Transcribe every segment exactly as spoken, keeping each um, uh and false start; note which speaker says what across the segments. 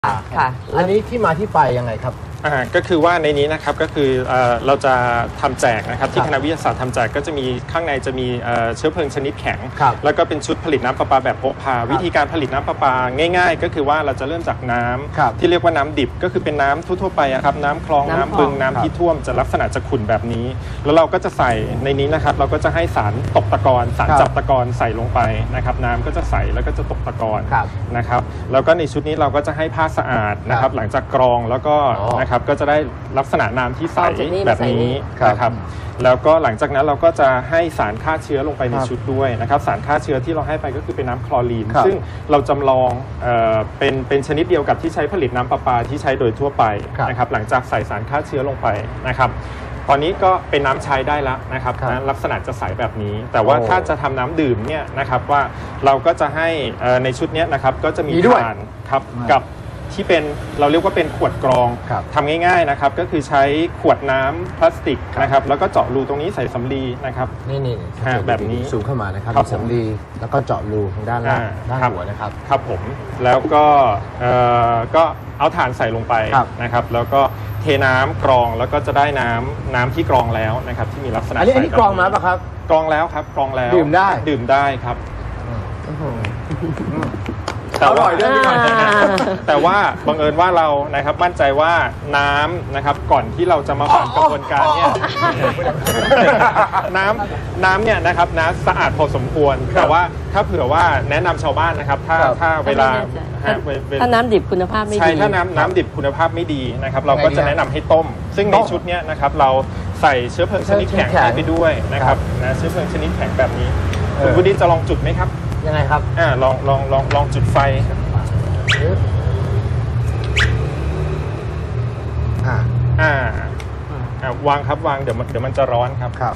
Speaker 1: ค่ะอันนี้ที่มาที่ไปยังไงครับ
Speaker 2: อ่าก็คือว่าในนี้นะครับก็คือเอ่อเราจะทำแจกนะครับที่คณะวิทยาศาสตร์ทำแจกก็จะมีข้างในจะมีเอ่อเชื้อเพลิงชนิดแข็งแล้วก็เป็นชุดผลิตน้ำประปาแบบพกพาวิธีการผลิตน้ำประปาง่ายๆก็คือว่าเราจะเริ่มจากน้ำที่เรียกว่าน้ำดิบก็คือเป็นน้ำทั่วๆไปครับน้ำคลองน้ำบึงน้ำที่ท่วมจะลักษณะจะขุ่นแบบนี้แล้วเราก็จะใส่ในนี้นะครับเราก็จะให้สารตกตะกอนสารจับตะกอนใส่ลงไปนะครับน้ำก็จะใสแล้วก็จะตกตะกอนนะครับแล้วก็ในชุดนี้เราก็จะให้ผ้าสะอาดนะครับหลังจากกรองแล้วก็นะครับก็จะได้ลักษณะน้ำที่ใสแบบนี้นะครับแล้วก็หลังจากนั้นเราก็จะให้สารฆ่าเชื้อลงไปในชุดด้วยนะครับสารฆ่าเชื้อที่เราให้ไปก็คือเป็นน้ำคลอรีนซึ่งเราจำลองเอ่อเป็นเป็นชนิดเดียวกับที่ใช้ผลิตน้ำประปาที่ใช้โดยทั่วไปนะครับหลังจากใส่สารฆ่าเชื้อลงไปนะครับตอนนี้ก็เป็นน้ำใช้ได้แล้วนะครับนะลักษณะจะใสแบบนี้แต่ว่าถ้าจะทำน้ำดื่มเนี่ยนะครับว่าเราก็จะให้ในชุดนี้นะครับก็จะมีถ่านครับกับที่เป็นเราเรียกว่าเป็นขวดกรองทำง่ายๆนะครับก็คือใช้ขวดน้ำพลาสติกนะครับแล้วก็เจาะรูตรงนี้ใส่สำลีนะครับ
Speaker 1: นี่นี่
Speaker 2: แบบนี้
Speaker 1: สูงเข้ามานะครับสำลีแล้วก็เจาะรูทางด้านล่างด้านหัวนะครับ
Speaker 2: ครับผมแล้วก็ก็เอาถ่านใส่ลงไปนะครับแล้วก็เทน้ำกรองแล้วก็จะได้น้ำน้ำที่กรองแล้วนะครับที่มีลักษณะ
Speaker 1: อันนี้อันนี้กรองมาป่ะครับ
Speaker 2: กรองแล้วครับกรองแล้ว
Speaker 1: ดื่มได้
Speaker 2: ดื่มได้ครับ
Speaker 1: อร่อยด้วยพี่หน่อย
Speaker 2: แต่ว่าบังเอิญว่าเรานะครับมั่นใจว่าน้ำนะครับก่อนที่เราจะมาผ่านกระบวนการเนี่ยน้ำน้ำเนี่ยนะครับน้ำสะอาดพอสมควรแต่ว่าถ้าเผื่อว่าแนะนำชาวบ้านนะครับถ้าถ้าเวลา
Speaker 3: ถ้าน้ำดิบคุณภาพไม่ดี
Speaker 2: ใช่ถ้าน้ำน้ำดิบคุณภาพไม่ดีนะครับเราก็จะแนะนำให้ต้มซึ่งในชุดนี้นะครับเราใส่เชื้อเพลิงชนิดแข็งไปด้วยนะครับนะเชื้อเพลิงชนิดแข็งแบบนี้คุณวุฒิจะลองจุดไหมครับ
Speaker 1: ยังไงครับ
Speaker 2: อ่าลองลองลองลองจุดไฟอ่าอ่าวางครับวางเดี๋ยวมันเดี๋ยวมันจะร้อนครับ
Speaker 1: ครับ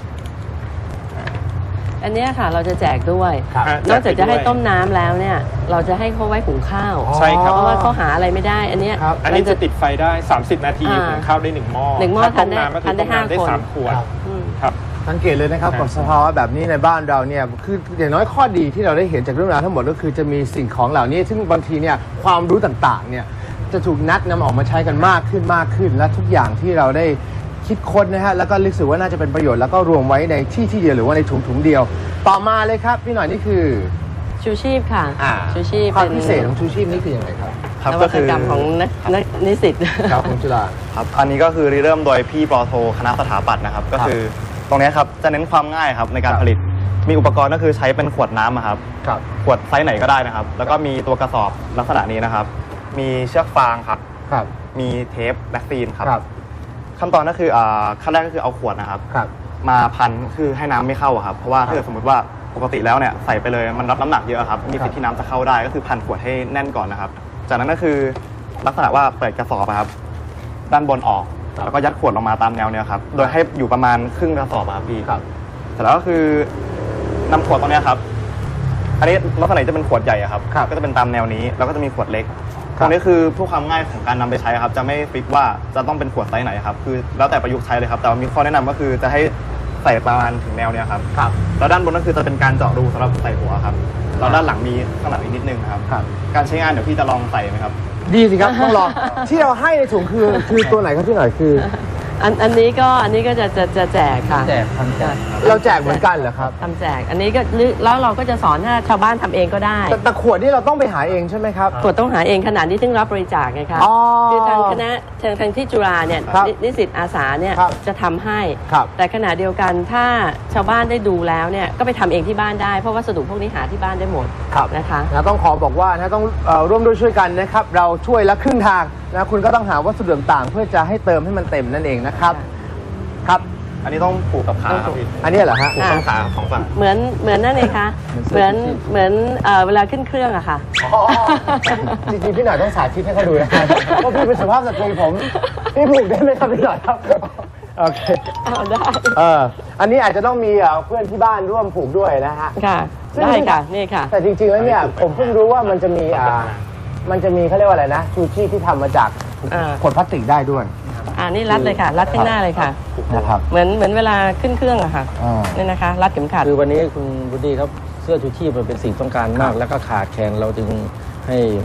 Speaker 3: อันนี้ค่ะเราจะแจกด้วยนอกจากจะให้ต้มน้ำแล้วเนี่ยเราจะให้เขาไว้หุงข้าว
Speaker 2: ใช่ครับ
Speaker 3: เพราะว่าเขาหาอะไรไม่ได้อันนี้
Speaker 2: อันนี้จะติดไฟได้สามสิบนาทีหุงข้าวได้หนึ่งหม้อ
Speaker 3: หนึ่งหม้อทานได้
Speaker 2: ทานได้ห้าคนได้สามขวดครับ
Speaker 1: สังเกตเลยนะครับกับสภาวะแบบนี้ในบ้านเราเนี่ยคืออย่างน้อยข้อดีที่เราได้เห็นจากเรื่องราวทั้งหมดก็คือจะมีสิ่งของเหล่านี้ซึ่งบางทีเนี่ยความรู้ต่างๆเนี่ยจะถูกนัดนำออกมาใช้กันมากขึ้นมากขึ้นและทุกอย่างที่เราได้คิดค้นนะฮะแล้วก็รู้สึกว่าน่าจะเป็นประโยชน์แล้วก็รวมไว้ในที่ที่เดียวหรือว่าในถุงถุงเดียวต่อมาเลยครับพี่หน่อยนี่คือ
Speaker 3: ชูชีพค่ะชูชีพ
Speaker 1: ความพิเศษของชูชีพนี่คือยังไงครับ
Speaker 3: ครับก็คือกรรมของนักนิสิต
Speaker 1: ครับของจุฬา
Speaker 4: ครับอันนี้ก็คือเริ่มโดยพี่ปอโทคณะสถาปัตย์นะครับก็คือตรงนี้ครับจะเน้นความง่ายครับในการผลิตมีอุปกรณ์ก็คือใช้เป็นขวดน้ำครับขวดไซส์ไหนก็ได้นะครับแล้วก็มีตัวกระสอบลักษณะนี้นะครับมีเชือกฟางครับมีเทปแบคซีนครับขั้นตอนก็คือขั้นแรกก็คือเอาขวดนะครับมาพันคือให้น้ำไม่เข้าครับเพราะว่าถ้าเกิดสมมติว่าปกติแล้วเนี่ยใส่ไปเลยมันรับน้ำหนักเยอะครับมีสิทธิ์ที่น้ำจะเข้าได้ก็คือพันขวดให้แน่นก่อนนะครับจากนั้นก็คือลักษณะว่าเปิดกระสอบครับด้านบนออกแล้วก็ยัดขวดลงมาตามแนวเนี่ยครับโดยให้อยู่ประมาณครึ่งกระสอบครับพี่เสร็จแล้วก็คือนำขวดตรงนี้ครับอันนี้ลักษณะจะเป็นขวดใหญ่ครับก็จะเป็นตามแนวนี้แล้วก็จะมีขวดเล็กตรงนี้คือเพื่อความง่ายของการนำไปใช้ครับจะไม่ฟิกว่าจะต้องเป็นขวดไซส์ไหนครับคือแล้วแต่ประยุกต์ใช้เลยครับแต่ว่ามีข้อแนะนำก็คือจะให้ใส่ประมาณถึงแนวเนี้ยครับแล้วด้านบนก็คือจะเป็นการเจาะรูสำหรับใส่หัวครับแล้วด้านหลังมีข้างหลังอีกนิดนึงครับการใช้งานเดี๋ยวพี่จะลองใส่ไหมครับ
Speaker 1: ดีสิครับต้องลองที่เราให้ในถุงคือคือตัวไหนครับพี่หน่อยคือ
Speaker 3: อันอันนี้ก็อันนี้ก็จะจะจะแจกค่ะ
Speaker 1: แจกทำแจกเราแจกเหมือนกันเหรอครับ
Speaker 3: ทำแจกอันนี้ก็แล้วเราก็จะสอนให้ชาวบ้านทำเองก็ได้
Speaker 1: แต่ขวดนี่เราต้องไปหาเองใช่ไหมครับ
Speaker 3: ขวดต้องหาเองขนาดนี้ถึงรับบริจาคไงคะคือทางคณะทางทางที่จุฬาเนี่ยนิสิตอาสาเนี่ยจะทำให้แต่ขณะเดียวกันถ้าชาวบ้านได้ดูแล้วเนี่ยก็ไปทำเองที่บ้านได้เพราะวัสดุพวกนี้หาที่บ้านได้หมดนะคะ
Speaker 1: ต้องขอบอกว่านะต้องร่วมด้วยช่วยกันนะครับเราช่วยละครึ่งทางนะคุณก็ต้องหาวัสดุต่างๆเพื่อจะให้เติมให้มันเต็มนั่นเองนะครับครับ
Speaker 4: อันนี้ต้องผูกกับขาครับพี่
Speaker 1: อันนี้เหรอฮะ
Speaker 4: ผูกต้นขาของฝั่ง
Speaker 3: เหมือนเหมือนนั่นเองคะเหมือนเหมือนเวลาขึ้นเครื่องอะค่ะ
Speaker 1: จริงๆพี่หน่อยต้องสาธิตให้เขาดูนะเพราะพี่เป็นสุภาพสตรีผมพี่ผูกได้ไหมครับพี่หน่อยครับโอเค
Speaker 3: ได้
Speaker 1: เอออันนี้อาจจะต้องมีเพื่อนที่บ้านร่วมผูกด้วยนะฮะ
Speaker 3: ค่ะได้ค่ะนี่ค่ะ
Speaker 1: แต่จริงๆแล้วเนี่ยผมเพิ่งรู้ว่ามันจะมีมันจะมีเขาเรียกว่าอะไรนะชูชีพที่ทำมาจากขวดพลาสติกได้ด้วย
Speaker 3: อ่านี่รัดเลยค่ะรัดข้างหน้าเลยค่ะ
Speaker 1: นะครับ
Speaker 3: เหมือนเหมือนเวลาขึ้นเครื่องอะค่ะนี่นะคะรัดเข็มขัด
Speaker 5: คือวันนี้คุณบุดีครับเสื้อชูชีพมันเป็นสิ่งต้องการมากแล้วก็ขาดแคลนเราจึงให้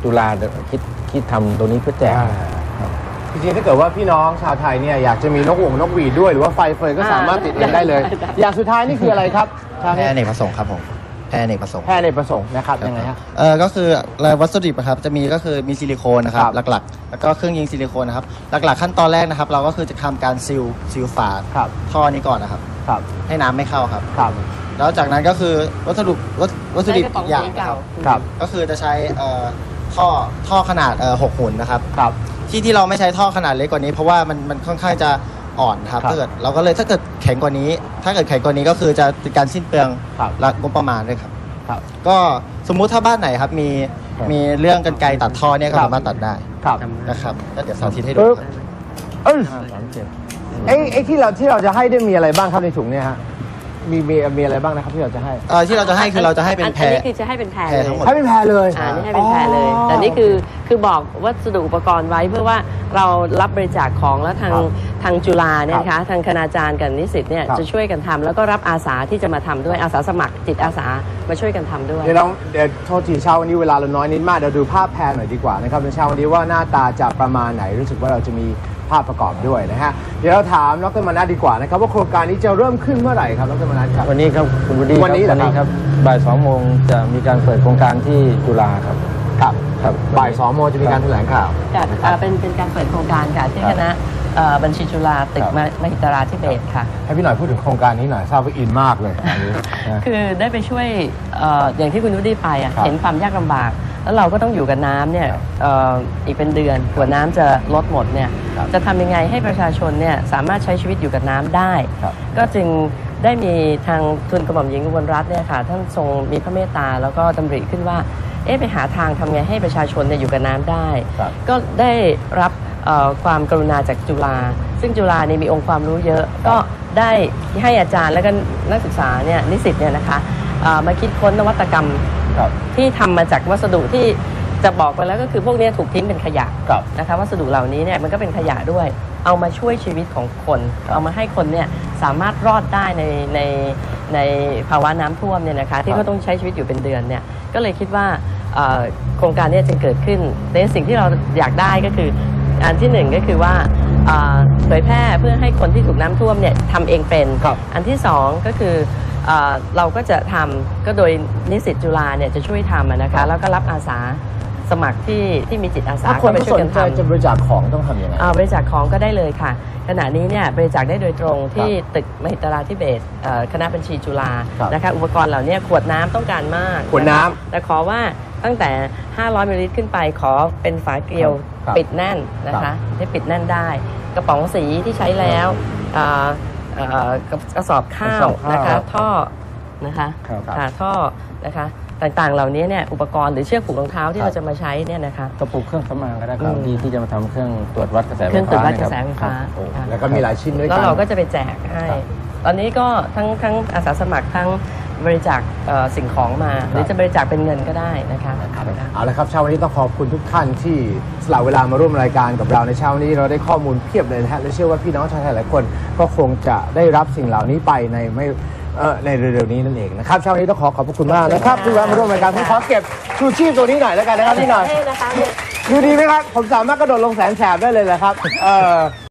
Speaker 5: จุฬาคิดคิดทำตัวนี้เพื่อแจก
Speaker 1: จริงๆถ้าเกิดว่าพี่น้องชาวไทยเนี่ยอยากจะมีนกหงส์นกหวีดด้วยหรือว่าไฟเฟยก็สามารถติดเองได้เลย อย่างสุดท้ายนี่คืออะไรครับ
Speaker 6: แพร่อเนกประสงค์ครับผมแพร่อเนกประสงค์
Speaker 1: แพร่ในประสงค์นะครับยังไงฮะ
Speaker 6: เออก็คือรายวัสดุนะครับจะมีก็คือมีซิลิโคนนะครับ
Speaker 1: ครับ
Speaker 6: หลักๆ แล้วก็เครื่องยิงซิลิโคนนะครับหลักๆขั้นตอนแรกนะครับ เราก็คือจะทำการซีลซีลฝา
Speaker 1: ครับ
Speaker 6: ท่อนี้ก่อนนะครับ
Speaker 1: ครับ
Speaker 6: ให้น้ำไม่เข้าครับ
Speaker 1: ครับ
Speaker 6: แล้วจากนั้นก็คือวัสดุวัสวัสดุดิบอีกอย่างนะครับ
Speaker 1: ครับ
Speaker 6: ก็คือจะใช้เอ่อท่อท่อขนาดเอ่อหกหุ่นนะครับ
Speaker 1: ครับ
Speaker 6: ที่ที่เราไม่ใช้ท่อขนาดเล็กกว่านี้เพราะว่ามันมันค่อนข้างจะอ่อนครับ
Speaker 1: ครับ
Speaker 6: ถ้าเกิดเราก็เลยถ้าเกิดแข็งกว่านี้ ถ้าเกิดแข็งกว่านี้ก็คือจะเป็นการสิ้นเปลือง
Speaker 1: ครับ
Speaker 6: และงบประมาณด้วยครับ
Speaker 1: ครับ
Speaker 6: ก็สมมุติถ้าบ้านไหนครับมี
Speaker 1: ครับ
Speaker 6: มีเรื่องกรรไกรตัดท่อเนี่ยก็
Speaker 1: ครับ
Speaker 6: สามารถตัดได้
Speaker 1: ครับ
Speaker 6: นะครับก็เดี๋ยวสาธิตให้ดู
Speaker 1: ปึ๊บ
Speaker 6: ครับ
Speaker 1: เอ้ยไอ้ไอ้ที่เราที่เราจะให้ได้มีอะไรบ้างครับในถุงเนี่ยฮะมีมีมีอะไรบ้างนะครับที่เราจะให้
Speaker 6: เอ่อที่เราจะให้คือเราจะให้เป็นแพร
Speaker 3: อันนี้คือจะให้เป็นแพร
Speaker 6: แพร
Speaker 3: เลย
Speaker 6: ทั้งหมด
Speaker 1: ให้เป็นแพรเลย
Speaker 3: อ่านี่ให้เป็นแพรเลย แต่นี่คือคือบอกวัสดุอุปกรณ์ไว้เพื่อว่าเรารับบริจาคของแล้วทาง
Speaker 1: ครับ
Speaker 3: ทางจุฬาเนี่ย
Speaker 1: ครั
Speaker 3: นะคะ
Speaker 1: บ
Speaker 3: ทางคณาจารย์กับนิสิตเนี่ย
Speaker 1: ครับ
Speaker 3: จะช่วยกันทำแล้วก็รับอาสาที่จะมาทำด้วยอาสาสมัครจิตอาสามาช่วยกันทำด้วย
Speaker 1: เดี๋ยวเราเดี๋ยวโทษทีเช้าวันนี้เวลาเราน้อยนิดมากเดี๋ยวดูภาพแพรหน่อยดีกว่านะครับในเช้าวันนี้ว่าหน้าตาจะประมาณไหนรู้สึกว่าเราจะมีภาพประกอบด้วยนะฮะเดี๋ยวเราถามดรมนัสดีกว่านะครับว่าโครงการนี้จะเริ่มขึ้นเมื่อไหร่ครับดรมนัสครับ
Speaker 5: วันนี้ครับคุณบุดี
Speaker 1: วันนี้เหรอ
Speaker 5: วันนี้
Speaker 1: ค
Speaker 5: ค
Speaker 1: รั
Speaker 5: รับ บบ่ายสองโมงจะมีการเปิดโครงการที่จุฬาครับ
Speaker 1: ครับ
Speaker 5: ครับ
Speaker 1: บ่ายสองโมงจะมีการแถลงข่าว
Speaker 3: ค่ะอ่าเป็นเป็นการเปิดโครงการค่ะที่
Speaker 5: ครับ
Speaker 3: คณะเอ่อบัญชีจุฬาตึก
Speaker 1: ครับ
Speaker 3: มมหิตราธิเบศรค่ะ
Speaker 1: ให้พี่หน่อยพูดถึงโครงการนี้หน่อยทราบว่าอินมากเลยอันนี้นะ
Speaker 3: คือได้ไปช่วยเอ่ออย่างที่คุณนุชได้ไปอ่ะ
Speaker 1: ครับ
Speaker 3: เห็นความยากลำบาก แล้วเราก็ต้องอยู่กับน้ำเนี่ย
Speaker 1: ครับ
Speaker 3: เอ่ออีกเป็นเดือนกว่าน้ำจะลดหมดเนี่ย
Speaker 1: ครับ
Speaker 3: จะทำยังไงให้ประชาชนเนี่ยสามารถใช้ชีวิตอยู่กับน้ำได้
Speaker 1: ครับ
Speaker 3: ก็จึงได้มีทางทุนกระหม่อมหญิงอุบลรัตน์เนี่ยค่ะท่านทรงมีพระเมตตาแล้วก็ดำริขึ้นว่าเอ๊ะไปหาทางทำไงให้ประชาชนเนี่ยอยู่กับน้ำได้
Speaker 1: ครับ
Speaker 3: ก็ได้รับเอ่อความกรุณาจากจุฬาซึ่งจุฬาเนี่ยมีองค์ความรู้เยอะ ก็ได้ให้อาจารย์และก็นักศึกษาเนี่ยนิสิตเนี่ยนะคะเอ่อมาคิดค้นนวัตกรรม
Speaker 1: ครับ
Speaker 3: ที่ทำมาจากวัสดุที่จะบอกไปแล้วก็คือพวกเนี้ยถูกทิ้งเป็นขยะ
Speaker 1: ครับ
Speaker 3: นะคะวัสดุเหล่านี้เนี่ยมันก็เป็นขยะด้วย เอามาช่วยชีวิตของคน เอามาให้คนเนี่ยสามารถรอดได้ในในในภาวะน้ำท่วมเนี่ยนะคะที่เขาต้องใช้ชีวิตอยู่เป็นเดือนเนี่ยก็เลยคิดว่าเอ่อโครงการเนี้จึงเกิดขึ้นในสิ่งที่เราอยากได้ก็คืออันที่หนึ่งก็คือว่าเอ่อเผยแพร่เพื่อให้คนที่ถูกน้ำท่วมเนี่ยทำเองเป็น
Speaker 1: ครับ
Speaker 3: อันที่สองก็คือเอ่อเราก็จะทำก็โดยนิสิตจุฬาเนี่ยจะช่วยทำอะนะคะแล้วก็รับอาสาสมัครที่ที่มีจิตอาสา
Speaker 1: ถ้าคน
Speaker 3: เข้าไป
Speaker 1: ที่
Speaker 3: ช่
Speaker 1: ส
Speaker 3: วยกัน น
Speaker 1: ใจ
Speaker 3: ทำ
Speaker 1: จะบริจาคของต้องทำยังไง
Speaker 3: อ่าบริจาคของก็ได้เลยค่ะ ขณะนี้เนี่ยบริจาคได้โดยตรงที่ตึกมหิตราธิเบศรเอ่อคณะบัญชีจุฬา
Speaker 1: ครับ
Speaker 3: นะคะอุปกรณ์เหล่านี้ขวดน้ำต้องการมาก
Speaker 1: ขวดน้ำ
Speaker 3: นะคะแต่ขอว่าตั้งแต่ ห้าร้อยมิลลิลิตรขึ้นไปขอเป็นฝาเกลียว
Speaker 1: ครับ
Speaker 3: ปิดแน่นนะ
Speaker 1: ครั
Speaker 3: คะ
Speaker 1: บ
Speaker 3: ให้ปิดแน่นได้ กระป๋องสีที่ใช้แล้วอ่าเอ่อกระสอบข้าก
Speaker 1: ระส
Speaker 3: ว
Speaker 1: อบข้าว
Speaker 3: นะคะท่อนะคะ
Speaker 5: ครับ
Speaker 3: ค่ะท่อนะคะต่างๆเหล่านี้เนี่ยอุปกรณ์หรือเชือกผูกรองเท้าที่
Speaker 1: ครับ
Speaker 3: เราจะมาใช้เนี่ยนะคะ
Speaker 5: กระปุกเครื่องสำอางก็ได้ครับ
Speaker 3: อืม
Speaker 5: ที่ที่จะมาทำเครื่องตรวจวัดกระแสไฟ
Speaker 3: เครื่องตรวจ
Speaker 5: ฟ้า
Speaker 3: วัดก
Speaker 5: นะ
Speaker 3: ระ
Speaker 5: ค
Speaker 3: แส
Speaker 5: รับ
Speaker 3: ไฟฟ้า
Speaker 1: โอ้
Speaker 3: ค่ะ
Speaker 1: แล้วก็มีหลายชิ้นด้วย
Speaker 3: แล้ว
Speaker 1: กัน
Speaker 3: เราก็จะไปแจกให้
Speaker 1: ครับ
Speaker 3: ตอนนี้ก็ทั้งทั้งอาสาสมัครทั้งบริจาคเอ่อสิ่งของมา หรือจะบริจาคเป็นเงินก็ได้นะคะ
Speaker 1: เอาละครับเช้าวันนี้ต้องขอบคุณทุกท่านที่สละเวลามาร่วมรายการกับเราในเช้าวันนี้เราได้ข้อมูลเพียบเลยนะฮะและเชื่อว่าพี่น้องชาวไทยหลายคนก็คงจะได้รับสิ่งเหล่านี้ไปในไม่เอ่อในเร็วๆนี้นั่นเองนะครับเช้าวันนี้ต้องขอขอบพระคุณมากนะครับที่แวะมาร่วมรายการผมขอเก็บชูชีพตัวนี้หน่อยแล้วกันนะครับพี่หน่อย
Speaker 3: ให้นะคะ
Speaker 1: ดูดีไหมครับผมสามารถกระโดดลงแสนแสบได้เลยแหละครับเออ